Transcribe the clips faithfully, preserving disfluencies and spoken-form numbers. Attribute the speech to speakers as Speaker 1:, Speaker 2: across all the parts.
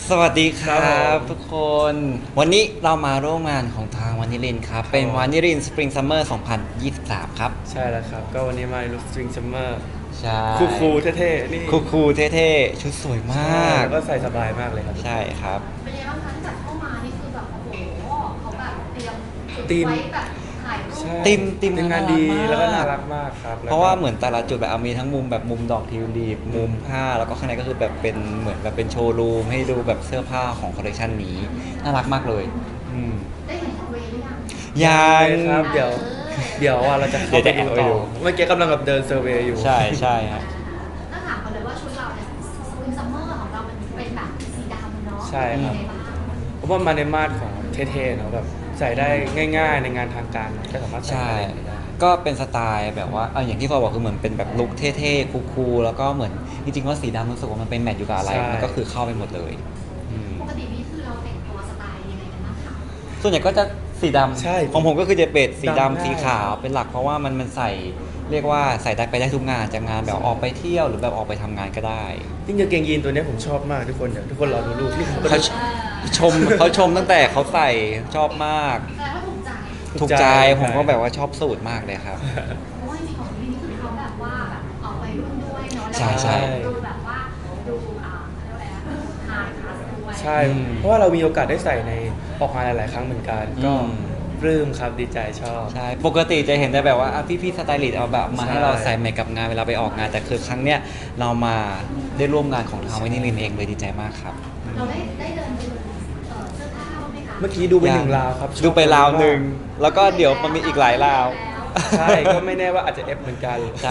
Speaker 1: สวัสดีค
Speaker 2: ครั
Speaker 1: รั
Speaker 2: บผ
Speaker 1: บ
Speaker 2: ม
Speaker 1: ทุกคนวันนี้เรามาร่วมงานของทางวานิลินครับเป็นวานิลินสปริงซัมเมอร์สองพันยี่สิบสามครับ
Speaker 2: ใช่แล้วครับก็วันนี้มาในลุคสตริงซัมเมอร์
Speaker 1: ใช่
Speaker 2: คูคูลๆเท่ๆนี่
Speaker 1: คูคูเท่ๆชุดสวยม
Speaker 2: ใช่
Speaker 1: าก
Speaker 2: แล้วก็ใส่สบายมากเลยครับทุก
Speaker 1: ใช่
Speaker 2: คน
Speaker 1: ครับ
Speaker 3: เป็นยังไงบ้างคะที่แบบเข้ามานี่คือแบบโอ้โหเขาแบบเตรียมจุด
Speaker 2: ธีม
Speaker 3: ไว้แบบถ่ายรูป
Speaker 2: ใช่
Speaker 1: ติมติม
Speaker 2: ทีมงาน
Speaker 1: น่ารัก
Speaker 2: ดี
Speaker 1: มาก
Speaker 2: แล้วก็น่ารักมากครับ
Speaker 1: เพราะว่าเหมือนแต่ละจุดแบบเอามีทั้งมุมแบบมุมดอกทิวลิปมุมผ้าแล้วก็ข้างในก็คือแบบเป็นเหมือนแบบเป็นโชว์รูมให้ดูแบบเสื้อผ้าของคอลเลคชันนี้น่ารักมากเลยอืม
Speaker 3: ได้เห็นของเวย์หรือยัง
Speaker 1: ยัง
Speaker 2: ครับเดี๋ยวเดี๋ยวว่าเราจะเข้า
Speaker 1: เดี๋ยว
Speaker 2: ไป
Speaker 1: จะแอ
Speaker 2: ดู
Speaker 1: บไป
Speaker 2: ต่อ
Speaker 1: ดู
Speaker 2: เมื่อกี้กำลังแบบเดินเซอร์เวย์อยู่
Speaker 1: ใช่ใช่ครับ
Speaker 3: ถ้าถามกันเลยว่าชุดเราเนี่ยสปริงซัมเมอร์ของเรามันเป็นแบบสีดำเนาะ
Speaker 2: ใช่ครับ
Speaker 3: เป็นยังไงบ้าง
Speaker 2: เพราะว่ามาในมาตรของเท่ๆเนาะแบบใส่ได้ง่าย ๆ ในงานทางการก็สามารถใส่
Speaker 1: ใช่
Speaker 2: อะไรได้
Speaker 1: ก็เป็นสไตล์แบบว่าเอาอย่างที่ฟอบอกคือเหมือนเป็นแบบลุคเท่ๆคูลๆแล้วก็เหมือนจริงๆว่าสีดำรู้สึกว่ามันเป็นแมทอยู่กับอะไร
Speaker 2: ใช่
Speaker 1: มันก็คือเข้าไปหมดเลยอืม
Speaker 3: ปกตินี่คือเราแต่งตัวสไตล์ยังไงกันบ้างคะ
Speaker 1: ส่วนใหญ่ก็จะสีด
Speaker 2: ใช่
Speaker 1: ำของผมก็คือจะเป็นสี
Speaker 2: ดำ
Speaker 1: ดำ
Speaker 2: ง่าย
Speaker 1: สีขาวเป็นหลักเพราะว่ามันมันใส่เรียกว่าใส่ได้ไปได้ทุกงานจากงานแบบออกไปเที่ยวหรือแบบออกไปทำงานก็ได้
Speaker 2: ยิ่งกางเกงยีนตัวเนี้ยผมชอบมากทุกคนเดี๋ยวทุกคนรอดูรูปนี่ผมก็
Speaker 1: เขา
Speaker 2: ดู
Speaker 1: ชมเขาชมตั้งแต่เขาใส่ชอบมาก
Speaker 3: แสดงว่าถูกใจ
Speaker 1: ถูกใจผมก็แบบว่าชอบสูตรมากเลยครับ
Speaker 3: เพราะว่าจริงๆของนี่คือเขาแบบว่าแบบออกไปรุ่นด้วยเนาะแล้ว
Speaker 1: ใช่ใช่
Speaker 3: ดูแบบว่าดูอ่าเขาเรียกว่าอะไรนะไฮคลาสด้วย
Speaker 2: ใช่
Speaker 1: อืม
Speaker 2: เพราะว่าเรามีโอกาสได้ใส่ในออกงานหลาย ๆ ครั้งเหมือนกัน ก็
Speaker 1: อืม
Speaker 2: ปลื้มครับดีใจชอบ
Speaker 1: ใช่ ปกติจะเห็นแต่แบบว่าอ่ะพี่ๆสไตลิสต์เอาแบบมา
Speaker 2: ใช่
Speaker 1: ให้เราใส่แมคกับงานเวลาไปออกงาน แต่คือครั้งเนี้ยเรามาได้ร่วมงานของทางวินิลินเองเลยดีใจมากครับ
Speaker 3: เราได้ได้เดินไปดูเอ่อเสื้อผ้าบ้างไหมคะ
Speaker 2: เมื่อกี้ดูไปหนึ่งราวครับชอบ
Speaker 1: ดูไปราวหนึ่ง แล้วก็เดี๋ยวมันมีอีกหลายราว
Speaker 2: ใช่ก็ไม่แน่ว่าอาจจะเอฟเหมือนกัน
Speaker 1: ใช่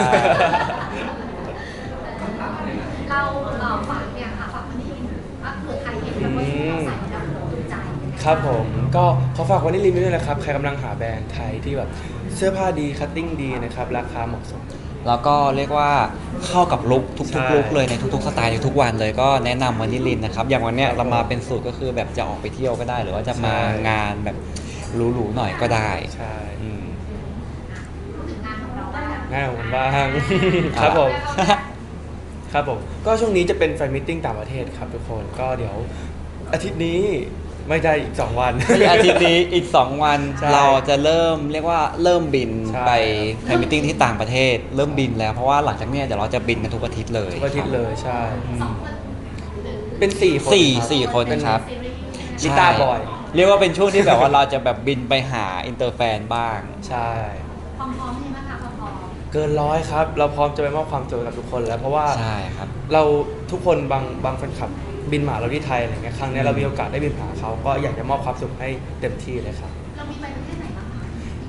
Speaker 3: เราเอ่อฝากเนี่ยค่ะฝากวันนี้ว่าเผื่อใครเห็นแล้วว่าชุดเราใส่แล้วถูกใจ
Speaker 2: ครับผมก็ขอฝากวันนี้รีวิวด้วยนะครับ ใครกำลังหาแบรนด์ไทยที่แบบเสื้อผ้าดีคัตติ้งดีนะครับ ราคาเหมาะสม
Speaker 1: แล้วก็เรียกว่าเข้ากับลุค
Speaker 2: ใช่
Speaker 1: ทุกๆลุคเลยในทุกๆสไตล์ในทุกวันเลยก็แนะนำวินิลินนะครับ อย่างวันเนี้ย
Speaker 2: ครับ
Speaker 1: เรามาเป็นสูตรก็คือแบบจะออกไปเที่ยวก็ได้ หรือว่าจะมา
Speaker 2: ใช่
Speaker 1: งานแบบหรูๆหน่อยก็ได้
Speaker 2: ใช่
Speaker 1: อืม
Speaker 3: พูดถึงงานของเราบ้าง
Speaker 2: ง่ายของผมบ้าง ครับผม ครับผม ก็ช่วงนี้จะเป็นแฟนมิทติ้งต่างประเทศครับทุกคน ก็เดี๋ยวอาทิตย์นี้ไม่ได้อีก สอง วัน
Speaker 1: ก็อาทิตย์นี้อีก สอง วัน
Speaker 2: ใช่
Speaker 1: เราจะเริ่มเรียกว่าเริ่มบิน
Speaker 2: ใช่
Speaker 1: ไปแฟนมิทติ้งที่ต่างประเทศ เริ่มบินแล้วเพราะว่าหลังจากเนี้ยเดี๋ยวเราจะบินกันทุกอาทิตย์เลย
Speaker 2: ทุกอาทิตย์เลยใช่
Speaker 3: สองคนหรือ
Speaker 2: เป็นสี่คน
Speaker 1: สี่
Speaker 2: รับ
Speaker 1: สี่คนนะครับ
Speaker 3: ซีรีส์
Speaker 2: ลิต้าบอย
Speaker 1: เรียกว่าเป็นช่วงที่แบบว่าเราจะแบบบินไปหาอินเตอร์แฟนบ้าง
Speaker 2: ใช่
Speaker 3: พร้อมๆใช่ไหมคะพร้อม
Speaker 2: เกินร้อยครับ เราพร้อมจะไปมอบความสุขกับทุกคนแล้วเพราะว่า
Speaker 1: ใช่ครับ
Speaker 2: เราทุกคนบางบางแฟนคลับบินมาหาเราที่ไทยอะไรเงี้ยครั้งเนี้ยเรามีโอกาสได้บินหาเขาก็อยากจะมอบความสุขให้เต็มที่เลยครับ
Speaker 3: ๆเรามีไปประเทศไหนบ้างคะ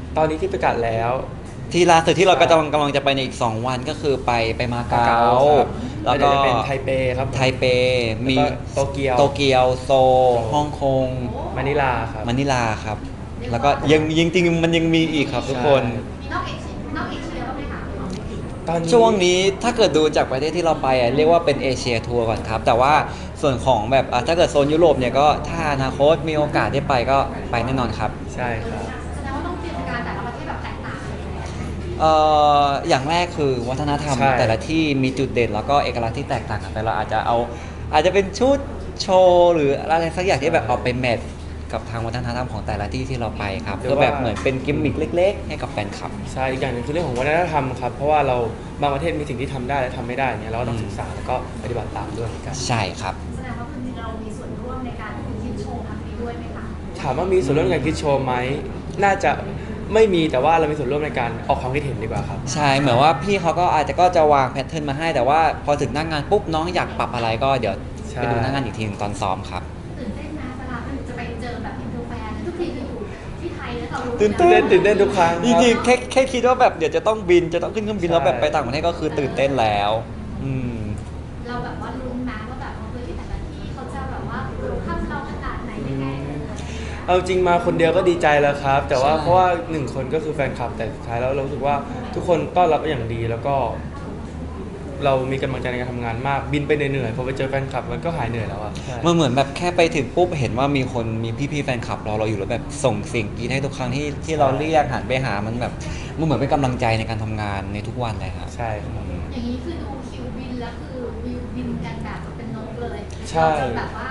Speaker 2: ตอนนี้ที่ประกาศแล้ว
Speaker 1: ที่ล่าสุดที่เรากำลังกำลังจะไปในอีก สอง วันก็คือไปไปมาเก๊า
Speaker 2: ครับ
Speaker 1: แล้ว
Speaker 2: เดี๋
Speaker 1: ก็
Speaker 2: ยวจะเป็นไทเปครับ
Speaker 1: ไทเปมี
Speaker 2: แล้วก็โตเกียว
Speaker 1: โตเกียวโซลฮ่องกง
Speaker 2: มะนิลาครับ
Speaker 1: มะนิลาครับ แล้วก็ยังยังจริงๆมันยังมีอีกครับทุกคน
Speaker 2: ใช่
Speaker 3: มีนอกเอเชียนอกเอเชียบ้างไหมคะ
Speaker 2: ตอนนี้
Speaker 1: ช่วงนี้ถ้าเกิดดูจากประเทศที่เราไปอ่ะเรียกว่าเป็นเอเชียทัวร์ก่อนครับ แต่ว่าส่วนของแบบอ่ะถ้าเกิดโซนยุโรปเนี่ยก็ถ้าอนาคตมีโอกาสได้ไปก็ไปแน่นอนครับ
Speaker 2: ใช่ครับ
Speaker 3: แสดงว่าต้องเตรียมการแต่ละประเทศแบบแตกต่างกันเลย
Speaker 1: เอ่ออย่างแรกคือวัฒนธรรม
Speaker 2: ใช่
Speaker 1: แต่ละที่มีจุดเด่นแล้วก็เอกลักษณ์ที่แตกต่างกันไปเราอาจจะเอาอาจจะเป็นชุดโชว์หรืออะไรสักอย่างที่แบบเอาไปแมทกับทางวัฒนธรรมของแต่ละที่ที่เราไปครับเพื่อแบบเหมือนเป็นกิมมิคเล็ก ๆ ให้กับแฟนคลับ
Speaker 2: ใช่อีกอย่างหนึ่งคือเรื่องของวัฒนธรรมครับ เพราะว่าเราบางประเทศมีสิ่งที่ทำได้และทำไม่ได้เนี่ยเราก็ต้อง
Speaker 1: อืม
Speaker 2: ศึกษาแล้วก็ปฏิบัติตามด้วยเหมือนกัน
Speaker 1: ใช่ครับ
Speaker 3: แสดงว่าคือเรามีส่วนร่วมในการคิดโชว์ครั้งนี้ด้วยไหมคะ
Speaker 2: ถามว่ามีส่วนร่วมในการคิดโชว์ไหมน่าจะไม่มีแต่ว่าเรามีส่วนร่วมในการออกความคิดเห็นดีกว่าครับ
Speaker 1: ใช่เหมือนว่าพี่เขาก็อาจจะก็จะวางแพทเทิร์นมาให้ แต่ว่าพอถึงหน้างงานปุ๊บน้องอยากปรับอะไรก็เดี๋ยว
Speaker 2: ใช่
Speaker 1: ไปดูหน้างงานอีกทีหนึงตอนซ้อมครับ
Speaker 3: ตื่นเต้นนะเวลาจะไปเจอแบบอินเตอร์แฟนทุกทีจะอยู่ที่ไทยแล้วเรารู้
Speaker 1: ตื่น
Speaker 2: ตื่นเต้นตื่นเต้นทุกครั้ง
Speaker 1: จริงๆแค่แค่คิดว่าแบบเดี๋ยวจะต้องบินจะต้องขึ้นเครื่องบิน
Speaker 2: ใช่
Speaker 1: แล้วแบบไปต่างประเทศก็คือตื่นเต้นแล้ว อืม
Speaker 3: เราแบบว่าลุ้นนะว่าแบบเฮ้ยแต่ละที่เขาจะแบบว่ารู้ข้ามเราขนาดไหนยังไง
Speaker 2: เอาจริงมาคนเดียวก็ดีใจแล้วครับ แต่ว่า
Speaker 1: ใช่
Speaker 2: เพราะว่าหนึ่งคนก็คือแฟนคลับแต่สุดท้ายแล้วเรารู้สึกว่าทุกคนต้อนรับอย่างดีแล้วก็ เรามีกำลังใจในการทำงานมากบินไปเหนื่อยๆพอไปเจอแฟนคลับมันก็หายเหนื่อยแล้วอะใช่
Speaker 1: มันเหมือนแบบแค่ไปถึงปุ๊บเห็นว่ามีคนมีพี่ๆแฟนคลับรอเราอยู่แล้วแบบส่งเสียงกรี๊ดให้ทุกครั้งที่ที่เราเรียกหันไปหามันแบบมันเหมือนเป็นกำลังใจในการทำงานในทุกวันเลยครับ
Speaker 2: ใช่ครับ
Speaker 3: อย่างนี้คือดูคิวบินแล้วคือวิวบินกันแบบเป็นนกเลย
Speaker 2: ใช่
Speaker 3: เราจะแบบว่า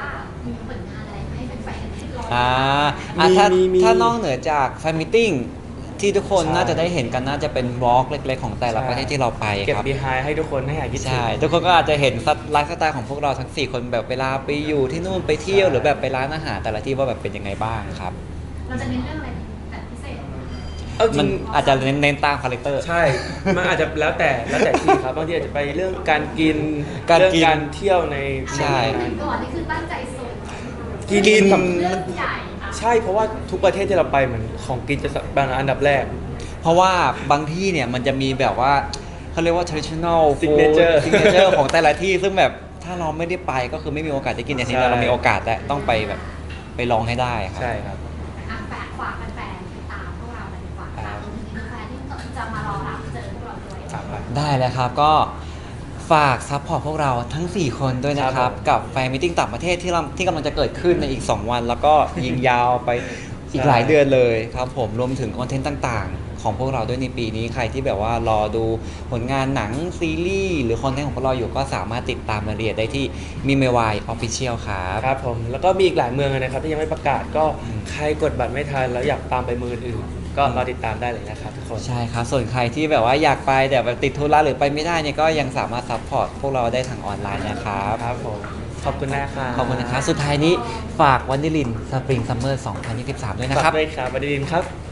Speaker 3: มีผลงานอะไรให้แฟนๆที่รอ
Speaker 1: อ่าอ่ะ
Speaker 2: มี
Speaker 1: ถ้า
Speaker 2: มีมี
Speaker 1: ถ้านอกเหนือจากแฟนมิทติ้งที่ทุกคน
Speaker 2: ใช่
Speaker 1: น่าจะได้เห็นกันน่าจะเป็นวอล์กเล็กๆของแต่ละประเทศที่เราไป
Speaker 2: เก็บ
Speaker 1: ครับ
Speaker 2: behind ให้ทุกคนให้หายคิดถึง
Speaker 1: ใช่ ทุกคนก็อาจจะเห็นไลฟ์สไตล์ของพวกเราทั้งสี่คนแบบเวลาไปอยู่ที่นู่นไปเที่ยว
Speaker 2: ใช่
Speaker 1: หรือแบบไปร้านอาหารแต่ละที่ว่าแบบเป็นยังไงบ้างครับ
Speaker 3: เราจะเน้นเรื่องอะไรแบบพิเศษ
Speaker 2: เอาจ
Speaker 1: มั
Speaker 2: ริ
Speaker 1: น
Speaker 2: ง
Speaker 1: อาจจะเน้นๆตามคาแรคเตอร์
Speaker 2: ใช่ มันอาจจะแล้วแต่แล้วแต่ที่ครับบางทีอาจจะไปเรื่องการกิน
Speaker 1: การ
Speaker 2: เรื่อง
Speaker 1: กิน
Speaker 2: การเที่ยวใน
Speaker 1: ใช่
Speaker 3: หนึ่งก่อนนี่คือตั้งใจสุด
Speaker 2: กินกับ
Speaker 3: เรื่องใหญ่อะ
Speaker 2: ใช่เพราะว่าทุกประเทศที่เราไปเหมือนของกินจะเป็นอันดับแรก
Speaker 1: เพราะว่าบางที่เนี่ยมันจะมีแบบว่าเขาเรียกว่า traditional food
Speaker 2: Signature
Speaker 1: signature ของแต่ละที่ซึ่งแบบถ้าเราไม่ได้ไปก็คือไม่มีโอกาสได้กินอย่างที่
Speaker 2: ใช่
Speaker 1: เรามีโอกาสและต้องไปแบบไปลองให้ได้ครับ
Speaker 2: ใช่ครับ
Speaker 3: อ่ะแฝงฝากแฟนๆติดตามพวกเราหน่อยดีกว่าฝากรวมถึงแฟนๆที่จะมารอรับเจอพวกเราด้วย
Speaker 2: ครับไป
Speaker 1: ได้เลยครับก็ฝากซัพพอร์ตพวกเราทั้ง สี่ คนด้วยนะค
Speaker 2: ครั
Speaker 1: รับ
Speaker 2: บผม
Speaker 1: กับแฟนมิทติ้งต่างประเทศที่เราที่กำลังจะเกิดขึ้นในอีก สอง วัน แล้วก็ยิงยาวไปอีกหลายเดือนเลยครับผมรวมถึงคอนเทนต์ต่างๆ ของพวกเราด้วยในปีนี้ใครที่แบบว่ารอดูผลงานหนังซีรีส์หรือคอนเทนต์ของพวกเราอยู่ก็สามารถติดตามรายละเอียดได้ที่มีเมวายออฟฟิเชียลครับ
Speaker 2: ครับผมแล้วก็มีอีกหลายเมืองเลยนะครับที่ยังไม่ประกาศก็ใครกดบัตรไม่ทันแล้วอยากตามไปเมืองอื่นๆก็รอติดตามได้เลยนะครับทุกคน
Speaker 1: ใช่ครับ ส่วนใครที่แบบว่าอยากไปแต่แบบติดธุระหรือไปไม่ได้เนี่ยก็ยังสามารถซัพพอร์ตพวกเราได้ทางออนไลน์นะครับ
Speaker 2: ครับผมขอบคุณนะครับ
Speaker 1: ขอบคุณนะครับ สุดท้ายนี้ฝากวันดิลินสปริงซัมเมอร์สองพันยี่สิบสามด้วยนะ
Speaker 2: ฝาก
Speaker 1: ครับ
Speaker 2: ด้วยครับบดินทร์ครับ